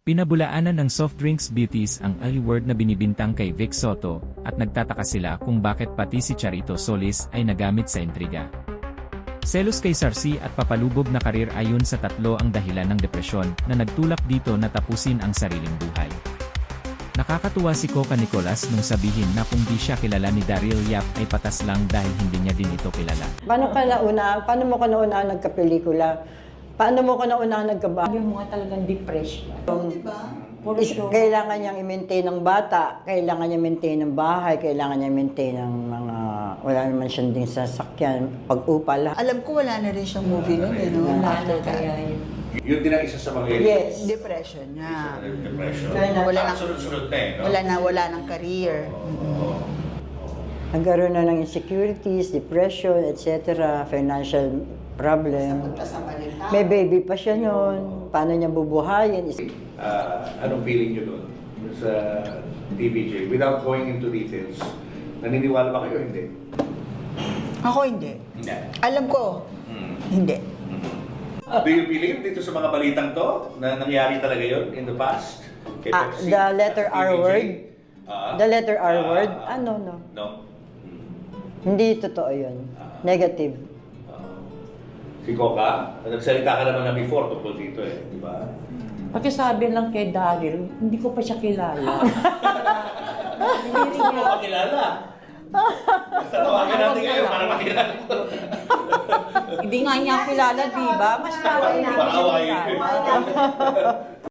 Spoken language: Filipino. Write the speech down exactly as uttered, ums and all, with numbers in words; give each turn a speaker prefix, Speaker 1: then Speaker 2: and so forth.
Speaker 1: Pinabulaanan ng soft drinks beauties ang L-word na binibintang kay Vic Soto, at nagtataka sila kung bakit pati si Charito Solis ay nagamit sa intriga. Selos kay Sarsi at papalubog na karir ayon sa tatlo ang dahilan ng depresyon na nagtulak dito na tapusin ang sariling buhay. Nakakatuwa si Coca Nicolas nung sabihin na kung di siya kilala ni Daryl Yap ay patas lang dahil hindi niya din ito kilala.
Speaker 2: Paano ka nauna? Paano mo ka nauna nagka-pelikula? Paano mo ka nauna nagka-ba?
Speaker 3: Yung mga talagang depression.
Speaker 2: Diba? Kailangan niyang i-maintain ng bata, kailangan niya maintain ng bahay, kailangan niya maintain ng mga, wala naman siyang ding sasakyan, pag-upa lahat.
Speaker 4: Alam ko wala na rin siyang movie nun eh, no?
Speaker 3: Wala na kaya yun.
Speaker 5: Yun din ang isa sa mga
Speaker 2: Yes.
Speaker 4: Depression nga.
Speaker 5: depression.
Speaker 4: Wala
Speaker 5: Ah,
Speaker 4: nang,
Speaker 5: sunod-sunod na eh, no?
Speaker 4: wala na, wala ng career.
Speaker 2: Nagkaroon na ng insecurities, depression, et cetera, financial problem. May baby pa siya noon. Paano niya bubuhayin?
Speaker 5: Ah, anong feeling nyo doon sa T V J? Without going into details, naniniwala ba kayo hindi?
Speaker 4: Ako hindi.
Speaker 5: Hindi.
Speaker 4: Alam ko,
Speaker 5: Hmm.
Speaker 4: hindi.
Speaker 5: Do you believe dito sa mga balitang to na nangyari talaga yun in the past? Kay
Speaker 2: Ah,
Speaker 5: Pepsi
Speaker 2: the
Speaker 5: at
Speaker 2: letter
Speaker 5: sa T V J?
Speaker 2: R word?
Speaker 5: Ah.
Speaker 2: The letter R
Speaker 5: Ah,
Speaker 2: word?
Speaker 5: ah,
Speaker 2: Ano, no?
Speaker 5: No?
Speaker 2: Hindi totoo yun. Negative.
Speaker 5: Ah. Si Coca, nagsalita ka naman na before tungkol dito eh, di ba?
Speaker 3: Pati sabi lang kay Daryl, hindi ko pa siya kilala. Hindi rin
Speaker 5: Gusto mo
Speaker 3: niya.
Speaker 5: makilala? Tatawagan natin ngayon para makilala mo.
Speaker 3: Hindi nga niya kilala, di ba? Mas parang
Speaker 5: Para awayin ko eh.